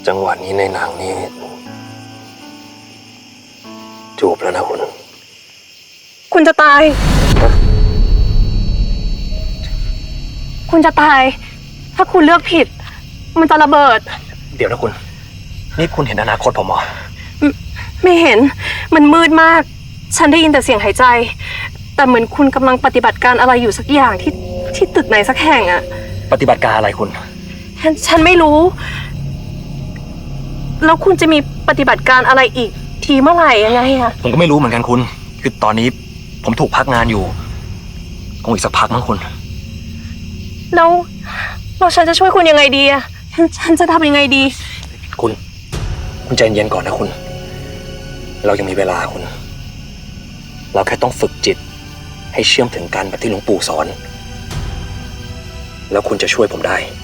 จังหวะนี้ในหนังนี้จูบแล้วนะคุณคุณจะตาย คุณจะตาย ถ้าคุณเลือกผิด มันจะระเบิดเดี๋ยวนะคุณ นี่คุณเห็นอนาคตผมเหรอไม่เห็น มันมืดมาก ฉันได้ยินแต่เสียงหายใจ แต่เหมือนคุณกำลังปฏิบัติการอะไรอยู่สักอย่างที่ตึกไหนสักแห่งอะปฏิบัติการอะไรคุณฉันไม่รู้ แล้วคุณจะมีปฏิบัติการอะไรอีก ทีเมื่อไหร่ยังไงอะผมก็ไม่รู้เหมือนกันคุณ คือตอนนี้ผมถูกพักงานอยู่คงอีกสักพักมั้งคุณแล้วฉันจะช่วยคุณยังไงดีอะฉันจะทำยังไงดีคุณใจเย็นก่อนนะคุณ เรายังมีเวลาคุณ เราแค่ต้องฝึกจิตให้เชื่อมถึงกันแบบที่หลวงปู่สอน แล้วคุณจะช่วยผมได้